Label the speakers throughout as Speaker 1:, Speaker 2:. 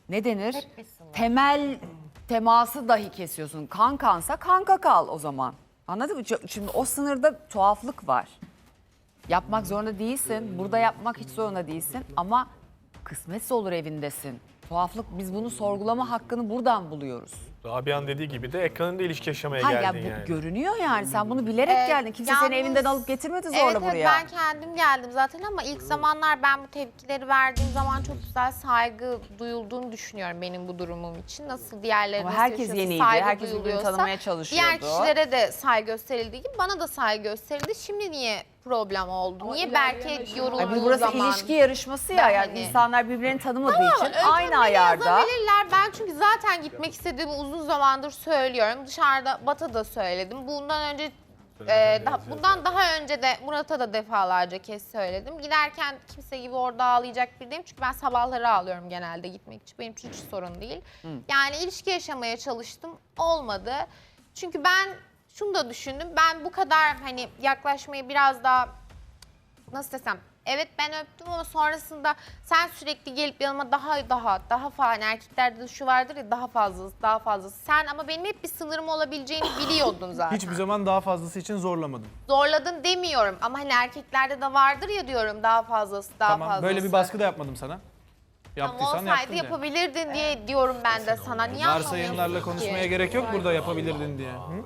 Speaker 1: ne denir? Temel teması dahi kesiyorsun. Kansa kanka kal o zaman. Anladın mı? Şimdi o sınırda tuhaflık var. Yapmak zorunda değilsin. Burada yapmak hiç zorunda değilsin. Ama kısmetse olur evindesin. Tuhaflık, biz bunu sorgulama hakkını buradan buluyoruz.
Speaker 2: Rabia'nın dediği gibi de ekranında ilişki yaşamaya
Speaker 1: Ha ya
Speaker 2: geldin
Speaker 1: bu
Speaker 2: yani.
Speaker 1: görünüyor yani. Sen bunu bilerek geldin. Kimse seni
Speaker 3: yalnız-
Speaker 1: evinden alıp getirmedi zorla
Speaker 3: Evet,
Speaker 1: buraya.
Speaker 3: ben kendim geldim zaten ama ilk zamanlar ben bu tepkileri verdiğim zaman çok güzel saygı duyulduğunu düşünüyorum benim bu durumum için. Nasıl diğerleri
Speaker 1: Ama
Speaker 3: nasıl
Speaker 1: herkes
Speaker 3: yaşıyorsa,
Speaker 1: yeniydi,
Speaker 3: saygı
Speaker 1: herkes birbirini
Speaker 3: duyuluyorsa,
Speaker 1: tanımaya çalışıyordu.
Speaker 3: diğer kişilere de saygı gösterildiği gibi bana da saygı gösterildi. Şimdi niye problem oldu? Niye belki yorulduğu
Speaker 1: Burası
Speaker 3: zaman...
Speaker 1: ilişki yarışması ya.
Speaker 3: Ben
Speaker 1: Yani
Speaker 3: hani-
Speaker 1: insanlar birbirlerini tanımadığı
Speaker 3: Tamam,
Speaker 1: için
Speaker 3: öykünleri
Speaker 1: aynı ayarda.
Speaker 3: yazabilirler. Ben çünkü zaten gitmek istediğimi uzun zamandır söylüyorum. Dışarıda Bat'a da söyledim. Bundan daha önce de Murat'a da defalarca kez söyledim. Giderken kimse gibi orada ağlayacak bir değilim. Çünkü ben sabahları ağlıyorum genelde gitmek için. Benim için hiç sorun değil. Yani ilişki yaşamaya çalıştım. Olmadı. Çünkü ben şunu da düşündüm. Ben bu kadar hani yaklaşmayı biraz daha nasıl desem, evet ben öptüm ama sonrasında sen sürekli gelip yanıma daha falan, erkeklerde de şu vardır ya, daha fazlası. Sen ama benim hep bir sınırım olabileceğini biliyordun zaten.
Speaker 4: Hiçbir zaman daha fazlası için zorlamadım.
Speaker 3: Zorladın demiyorum ama hani erkeklerde de vardır ya diyorum, daha fazlası.
Speaker 4: Tamam, böyle bir baskı da yapmadım sana.
Speaker 3: Tamam,
Speaker 4: Yaptıysan
Speaker 3: olsaydı
Speaker 4: yaptın de.
Speaker 3: yapabilirdin diye diyorum ben de sana. Niye
Speaker 4: Varsayımlarla
Speaker 3: anlamıyorsun
Speaker 4: konuşmaya
Speaker 3: ki?
Speaker 4: gerek yok burada yapabilirdin diye. Hı?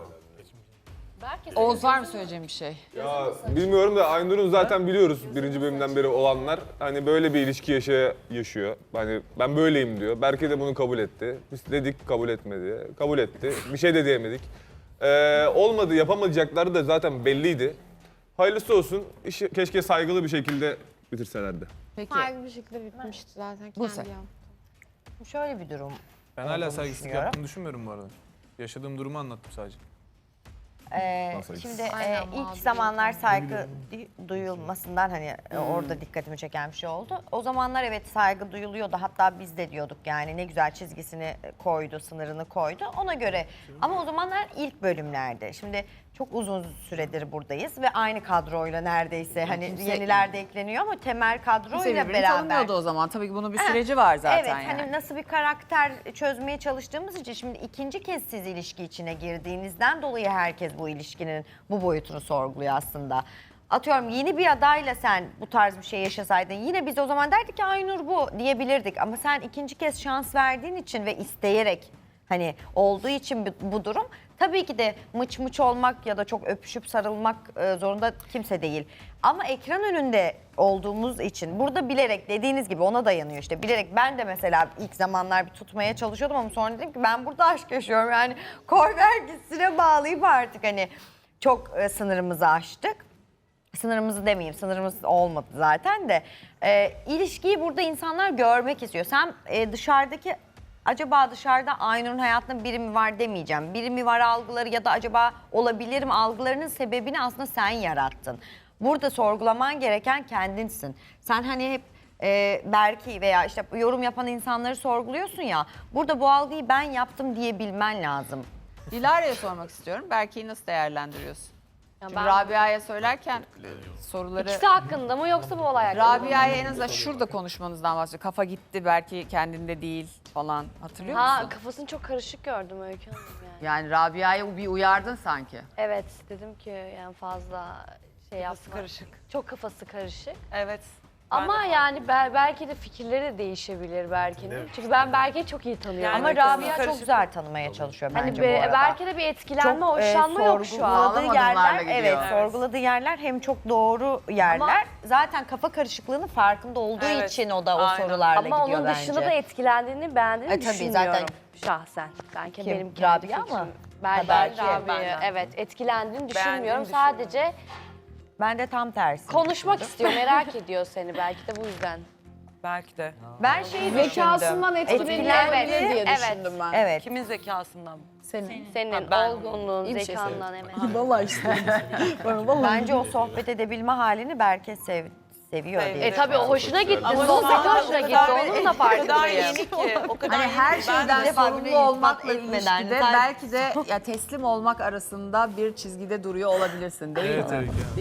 Speaker 1: Oğuz, var mı söyleyeceğim bir şey?
Speaker 5: Ya bilmiyorum da Aynur'un zaten biliyoruz birinci bölümden beri olanlar. Hani böyle bir ilişki yaşıyor. Hani ben böyleyim diyor. Berke de bunu kabul etti. Biz dedik kabul etmedi. Kabul etti. Bir şey de diyemedik. Olmadı, yapamayacakları da zaten belliydi. Hayırlısı olsun. İşi keşke saygılı bir şekilde bitirselerdi.
Speaker 1: Peki.
Speaker 3: Saygı bir şekilde bitmişti zaten.
Speaker 1: Buse.
Speaker 3: Kendi yaptım.
Speaker 6: Şöyle bir durum.
Speaker 4: Ben hala
Speaker 6: olduğunu
Speaker 4: saygısızlık
Speaker 6: düşünüyorum.
Speaker 4: yaptığını düşünmüyorum bu arada. Yaşadığım durumu anlattım sadece.
Speaker 6: Şimdi
Speaker 3: Aynen,
Speaker 6: ilk
Speaker 3: mağduriyet
Speaker 6: zamanlar saygı duyulmasından hani orada dikkatimi çeken bir şey oldu. O zamanlar evet saygı duyuluyordu. Hatta biz de diyorduk yani ne güzel çizgisini koydu, sınırını koydu. Ona göre ama o zamanlar ilk bölümlerde. Şimdi çok uzun süredir buradayız ve aynı kadroyla neredeyse hani yeniler de ekleniyor ama temel
Speaker 1: Kimse
Speaker 6: kadroyla
Speaker 1: birbirini
Speaker 6: beraber.
Speaker 1: tanımıyordu o zaman. Tabii ki bunun bir süreci var zaten
Speaker 6: Evet,
Speaker 1: yani.
Speaker 6: hani nasıl bir karakter çözmeye çalıştığımız için şimdi ikinci kez siz ilişki içine girdiğinizden dolayı herkes bu ilişkinin bu boyutunu sorguluyor aslında. Atıyorum yeni bir adayla sen bu tarz bir şey yaşasaydın yine biz o zaman derdik ki Aynur bu diyebilirdik. Ama sen ikinci kez şans verdiğin için ve isteyerek hani olduğu için bu durum tabii ki de mıç mıç olmak ya da çok öpüşüp sarılmak zorunda kimse değil. Ama ekran önünde olduğumuz için burada bilerek dediğiniz gibi ona dayanıyor işte. Bilerek ben de mesela ilk zamanlar bir tutmaya çalışıyordum ama sonra dedim ki ben burada aşk yaşıyorum. Yani koy ver gitsine bağlayıp artık hani çok sınırımızı aştık. Sınırımızı demeyeyim, sınırımız olmadı zaten de. İlişkiyi burada insanlar görmek istiyor. Sen dışarıdaki acaba dışarıda Aynur'un hayatında biri mi var demeyeceğim. Biri mi var algıları ya da acaba olabilir mi algılarının sebebini aslında sen yarattın. Burada sorgulaman gereken kendinsin. Sen hani hep Berke'yi veya işte yorum yapan insanları sorguluyorsun ya. Burada bu algıyı ben yaptım diyebilmen lazım.
Speaker 1: Dilara'ya sormak istiyorum. Berke'yi nasıl değerlendiriyorsun? Çünkü
Speaker 7: ben-
Speaker 1: Rabia'ya söylerken soruları...
Speaker 7: İkisi hakkında mı yoksa bu olay hakkında mı?
Speaker 1: Rabia'ya en azından şurada konuşmanızdan bahsediyor. Kafa gitti, belki kendinde değil falan. Hatırlıyor
Speaker 7: Ha,
Speaker 1: musun?
Speaker 7: kafasını çok karışık gördüm Öykü Hanım yani.
Speaker 1: Yani Rabia'ya bir uyardın sanki.
Speaker 7: Evet, dedim ki yani fazla şey yapma. Karışık. Çok kafası karışık.
Speaker 8: Evet.
Speaker 7: Ama yani belki de fikirleri de değişebilir Berke'nin. Çünkü ben Berke'yi çok iyi tanıyorum.
Speaker 6: Ama
Speaker 7: Öykü Hanım.
Speaker 6: Rabia çok güzel tanımaya çalışıyor
Speaker 7: Hani
Speaker 6: bence bu arada.
Speaker 7: belki de bir etkilenme,
Speaker 6: Çok,
Speaker 7: hoşlanma yok şu an.
Speaker 6: sorguladığı
Speaker 1: Sağlam
Speaker 6: yerler,
Speaker 1: adımlarla gidiyor.
Speaker 6: evet,
Speaker 1: Evet.
Speaker 6: sorguladığı yerler hem çok doğru yerler.
Speaker 7: Ama-
Speaker 6: Zaten kafa karışıklığının farkında olduğu
Speaker 8: Evet,
Speaker 6: için o da o
Speaker 8: aynen.
Speaker 6: sorularla
Speaker 7: Ama
Speaker 6: gidiyor
Speaker 7: onun
Speaker 6: bence.
Speaker 7: dışında da etkilendiğini, beğendiğini
Speaker 6: tabii,
Speaker 7: düşünmüyorum
Speaker 6: zaten-
Speaker 7: şahsen. Belki
Speaker 6: Kim?
Speaker 7: benim kendi
Speaker 6: Rabia
Speaker 7: fikrim.
Speaker 6: mı?
Speaker 7: Ben
Speaker 6: Ha, belki.
Speaker 7: Rabia'yı, evet, etkilendiğini düşünmüyorum.
Speaker 8: düşünmüyorum.
Speaker 7: Sadece
Speaker 6: Ben de tam tersi.
Speaker 7: konuşmak istiyor, merak ediyor seni belki de bu yüzden.
Speaker 8: Belki de.
Speaker 6: Ben şeyi
Speaker 9: Zekasından etkilenebilir diye düşündüm ben.
Speaker 6: Evet.
Speaker 8: Kimin zekasından?
Speaker 7: Senin
Speaker 8: ben-
Speaker 7: olgunluğun,
Speaker 9: şey
Speaker 7: zekandan evet.
Speaker 9: Vallahi işte.
Speaker 6: Bence o sohbet edebilme halini Berke seviyor diye.
Speaker 7: Tabii o hoşuna gitti.
Speaker 8: Ama
Speaker 7: Sohbet
Speaker 8: zaten
Speaker 7: hoşuna
Speaker 8: o
Speaker 7: gitti.
Speaker 8: kadar-
Speaker 7: Onun da
Speaker 8: O kadar
Speaker 7: farkındayım.
Speaker 8: yeni ki. O kadar
Speaker 1: Hani
Speaker 8: yeni
Speaker 1: her
Speaker 8: ki ben
Speaker 1: şeyden
Speaker 6: bir defa
Speaker 1: sorumlu
Speaker 6: bile iltifat
Speaker 1: olmakla
Speaker 6: etmeden
Speaker 1: ilişkide
Speaker 6: zaten-
Speaker 1: belki de ya teslim olmak arasında bir çizgide duruyor olabilirsin değil
Speaker 4: Evet
Speaker 1: mi?
Speaker 4: Öykü.